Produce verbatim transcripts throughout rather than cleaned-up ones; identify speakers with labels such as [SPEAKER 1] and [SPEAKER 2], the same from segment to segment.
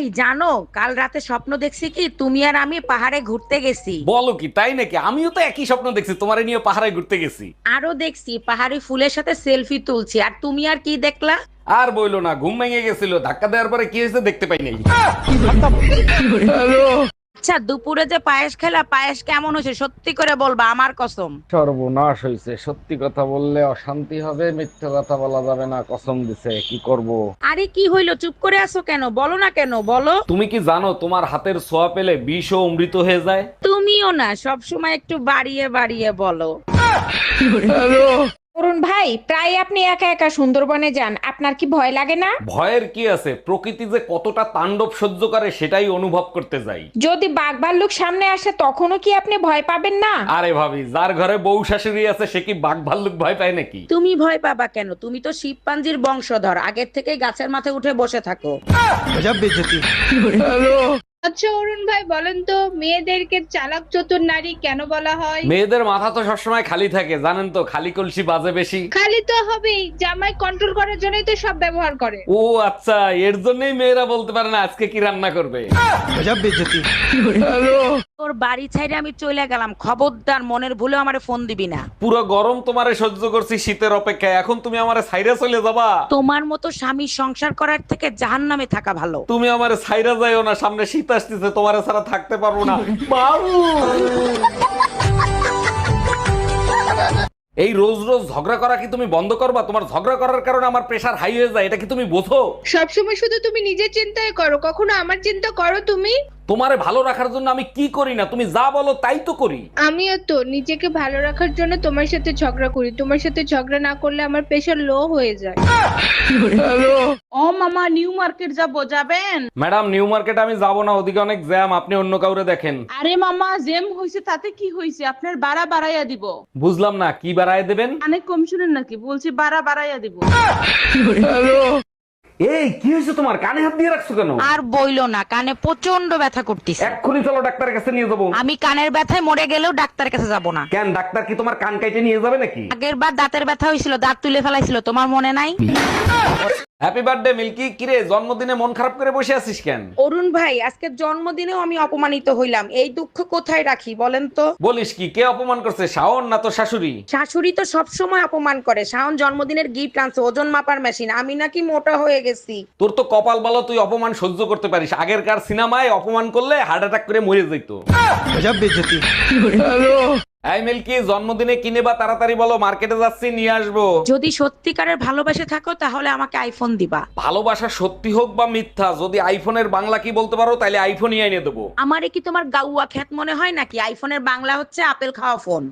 [SPEAKER 1] এই জানো, কাল রাতে স্বপ্ন দেখছি কি তুমি আর আমি পাহাড়ে ঘুরতে গেছি।
[SPEAKER 2] বলো কি, তাই নাকি? আমিও তো একই স্বপ্ন দেখছি, তোমারে নিয়ে পাহাড়ে ঘুরতে গেছি।
[SPEAKER 1] আরো দেখছি পাহাড়ি ফুলের সাথে সেলফি তুলছি, আর তুমি আর কি দেখলা?
[SPEAKER 2] আর বইলো না, ঘুম ভেঙে গেছিল, ধাক্কা দেওয়ার পরে কি হয়েছে দেখতে পাই নাই।
[SPEAKER 1] আচ্ছা, দুপুরে যে পায়েস খেলা, পায়েস কেমন হয়েছে সত্যি করে বলবা, আমার কসম।
[SPEAKER 2] সর্বনাশ হয়েছে, সত্যি কথা বললে অশান্তি হবে, মিথ্যে কথা বলা যাবে না, কসম দিছে, কি করব।
[SPEAKER 1] আরে কি হইলো, চুপ করে আছো কেন? বলো না কেন, বলো।
[SPEAKER 2] তুমি কি জানো তোমার হাতের ছোঁয়া পেলে বিষ ও অমৃত হয়ে যায়?
[SPEAKER 1] তুমিও না সব সময় একটু বাড়িয়ে বাড়িয়ে বলো।
[SPEAKER 3] অরুণ ভাই, প্রায় আপনি একা একা সুন্দরবনে যান, আপনার কি ভয় লাগে না?
[SPEAKER 2] ভয়ের কি আছে, প্রকৃতি যে কতটা তাণ্ডব সহ্য করে সেটাই অনুভব করতে যাই।
[SPEAKER 3] যদি বাঘ ভাল্লুক সামনে আসে তখনও কি আপনি ভয় পাবেন না?
[SPEAKER 2] আরে ভাবি, যার ঘরে বউ শাশুড়ি আছে সে কি বাঘ ভাল্লুক ভয় পায় নাকি?
[SPEAKER 1] তুমি ভয় পাবা কেন? তুমি তো শিবপাঞ্জির বংশধর, আগের থেকেই গাছের মাথায় উঠে বসে থাকো।
[SPEAKER 4] আচ্ছা অরুণ ভাই, বলেন তো মেয়েদেরকে চালাক চতুর নারী কেন বলা হয়?
[SPEAKER 2] মেয়েদের মাথা তো সবসময় খালি থাকে, জানেন তো, খালি কলসি বাজে বেশি।
[SPEAKER 4] খালি তো হবেই, জামাই কন্ট্রোল করার জন্যই তো সব ব্যবহার করে।
[SPEAKER 2] ও আচ্ছা, এর জন্যই মেয়েরা বলতে পারে না আজকে কি রান্না করবে।
[SPEAKER 1] তোর বাড়ি ছাইরে আমি চলে গেলাম, খবরদার মনের ভুলে আমারে ফোন দিবি না।
[SPEAKER 2] পুরো গরম তোমারে সহ্য করছি শীতের অপেক্ষায়, এখন তুমি আমারে ছাইরা চলে যাবা?
[SPEAKER 1] তোমার মতো স্বামী সংসার করার থেকে জাহান্নামে থাকা ভালো।
[SPEAKER 2] তুমি আমারে ছাইরা যাইও না, সামনে শীত আসতেছে, তোমারে ছাড়া থাকতে পারবো না। বাবু, এই রোজ রোজ ঝগড়া করা কি তুমি বন্ধ করবা? তোমার ঝগড়া করার কারণে আমার প্রেশার হাই হয়ে যায়, এটা কি তুমি বোঝো?
[SPEAKER 4] সবসময় শুধু তুমি নিজের চিন্তাই করো, কখনো আমার চিন্তা করো তুমি?
[SPEAKER 2] তোমারে ভালো রাখার জন্য আমি কি করি না, তুমি যা বলো তাই তো করি।
[SPEAKER 4] আমিও তো নিজেকে ভালো রাখার জন্য তোমার সাথে ঝগড়া করি, তোমার সাথে ঝগড়া না করলে আমার প্রেশার লো হয়ে যায়।
[SPEAKER 5] ও মামা, নিউ মার্কেট যাবো, যাবেন?
[SPEAKER 2] ম্যাডাম, নিউ মার্কেট আমি যাব না, ওদিকে অনেক জ্যাম, আপনি অন্য কাউরে দেখেন।
[SPEAKER 5] আরে মামা, জেম হইছে তাতে কি হইছে, আপনার বাড়া বাড়াইয়া দিব।
[SPEAKER 2] বুঝলাম না, কি বাড়ায় দেবেন?
[SPEAKER 5] অনেক কম শুনেন নাকি? বলছি বাড়া বাড়াইয়া দিব।
[SPEAKER 2] এই কি হয়েছে তোমার, কানে হাত দিয়ে রাখছো কেন?
[SPEAKER 1] আর বইলো না, কানে প্রচন্ড ব্যথা করতেছে।
[SPEAKER 2] এক্ষুনি চলো ডাক্তারের কাছে নিয়ে যাবো।
[SPEAKER 1] আমি কানের ব্যথায় মরে গেলেও ডাক্তারের কাছে যাব না।
[SPEAKER 2] কেন, ডাক্তার কি তোমার কান কাইটে নিয়ে যাবে নাকি?
[SPEAKER 1] আগের বার দাঁতের ব্যথা হয়েছিল, দাঁত তুলে ফেলাইছিল, তোমার মনে নাই?
[SPEAKER 2] Happy birthday Milky. কিরে, জন্মদিনে মন খারাপ করে বসে আছিস কেন?
[SPEAKER 1] অরুণ ভাই, আজকে জন্মদিনেও আমি অপমানিত হইলাম, এই দুঃখ কোথায় রাখি বলেন তো?
[SPEAKER 2] বলিস কি, কে অপমান করছে, শাওন না তো শাশুড়ি?
[SPEAKER 1] শাশুড়ি তো সব সময় অপমান করে। শাওন জন্মদিনের গিফট আনছে, ওজন মাপার মেশিন, আমি নাকি মোটা হয়ে গেছি।
[SPEAKER 2] তোর তো কপাল ভালো, তুই অপমান সহ্য করতে পারিস। আগেরকার সিনেমায় অপমান করলে হার্ট অ্যাটাক করে মরে যেত। এই মিল্কি, জন্মদিনে কিনে বা তাড়াতাড়ি বলো, মার্কেটে যাচ্ছি, নিয়ে আসবো।
[SPEAKER 1] যদি সত্যিকারের ভালোবাসে থাকো তাহলে আমাকে আইফোন দিবা।
[SPEAKER 2] ভালোবাসা সত্যি হোক বা মিথ্যা, যদি আইফোনের বাংলা কি বলতে পারো তাহলে আইফোনই এনে দেবো।
[SPEAKER 1] আমারে কি তোমার গাউয়া খ্যাত মনে হয় নাকি? আইফোনের বাংলা হচ্ছে আপেল খাওয়া ফোন।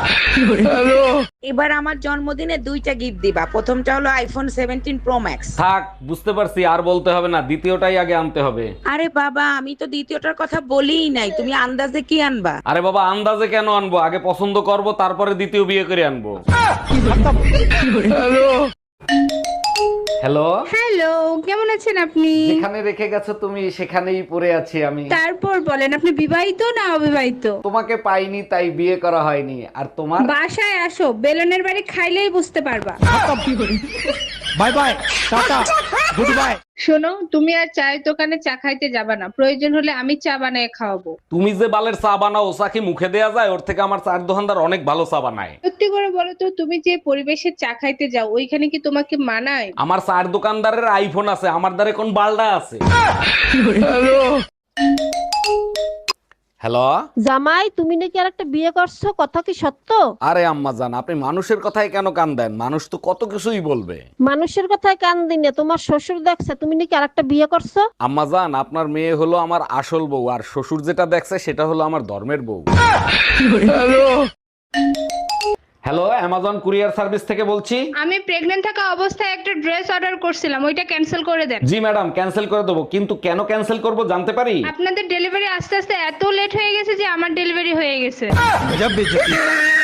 [SPEAKER 1] এবার আমার জন্মদিনে দুইটা গিফট দিবা, প্রথমটা হলো আইফোন সেভেন্টিন প্রো ম্যাক্স।
[SPEAKER 2] থাক, বুঝতে পারছি, আর বলতে হবে না, দ্বিতীয়টাই আগে আনতে হবে।
[SPEAKER 1] আরে বাবা, আমি তো দ্বিতীয়টার কথা বলিই নাই, তুমি আন্দাজে কি আনবা?
[SPEAKER 2] আরে বাবা, আন্দাজে কেন আনবো, আগে পছন্দ করব, তারপরে দ্বিতীয় বিয়ে করে আনবো। হ্যালো,
[SPEAKER 4] হ্যালো, কেমন আছেন আপনি?
[SPEAKER 2] যেখানে রেখে গেছো তুমি সেখানেই পড়ে আছি আমি।
[SPEAKER 4] তারপর বলেন, আপনি বিবাহিত না অবিবাহিত?
[SPEAKER 2] তোমাকে পাইনি তাই বিয়ে করা হয়নি। আর তোমার?
[SPEAKER 4] বাসায় আসো, বেলনের বাড়ি খাইলেই বুঝতে পারবা।
[SPEAKER 6] Bye bye, tata, good bye.
[SPEAKER 4] শোনো, তুমি আর চায়ের দোকানে চা খাইতে যাবা না, প্রয়োজন হলে আমি চা বানায় খাওয়াবো।
[SPEAKER 2] তুমি যে বালের চা বানাও, চা কি মুখে দেয়া যায়? ওর থেকে আমার চার দোকানদার অনেক ভালো চা বানায়।
[SPEAKER 4] সত্যি করে বলো তো, তুমি যে পরিবেশে চা খাইতে যাও ওইখানে কি তোমাকে মানায়?
[SPEAKER 2] আমার চার দোকানদারের আইফোন আছে, আমার দ্বারে কোন বালডা আছে? হ্যালো
[SPEAKER 7] জামাই, তুমি নাকি আর একটা বিয়ে করছো, কথা কি সত্য?
[SPEAKER 2] আরে আম্মা জান, আপনি মানুষের কথায় কেন কান দেন? মানুষ তো কত কিছুই বলবে।
[SPEAKER 7] মানুষের কথায় কান দিনে তোমার শ্বশুর দেখছে তুমি নাকি আর একটা বিয়ে করছো।
[SPEAKER 2] আম্মা জান, আপনার মেয়ে হলো আমার আসল বউ, আর শ্বশুর যেটা দেখছে সেটা হলো আমার ধর্মের বউ। হ্যালো, অ্যামাজন কুরিয়ার সার্ভিস থেকে বলছি।
[SPEAKER 4] আমি প্রেগন্যান্ট থাকা অবস্থায় একটা ড্রেস অর্ডার করছিলাম, ওইটা ক্যান্সেল করে দেন।
[SPEAKER 2] জি ম্যাডাম, ক্যান্সেল করে দেবো, কিন্তু কেন ক্যান্সেল করব জানতে পারি?
[SPEAKER 4] আপনাদের ডেলিভারি আস্তে আস্তে এত লেট হয়ে গেছে যে আমার ডেলিভারি হয়ে গেছে।
[SPEAKER 6] গজব বেজতি।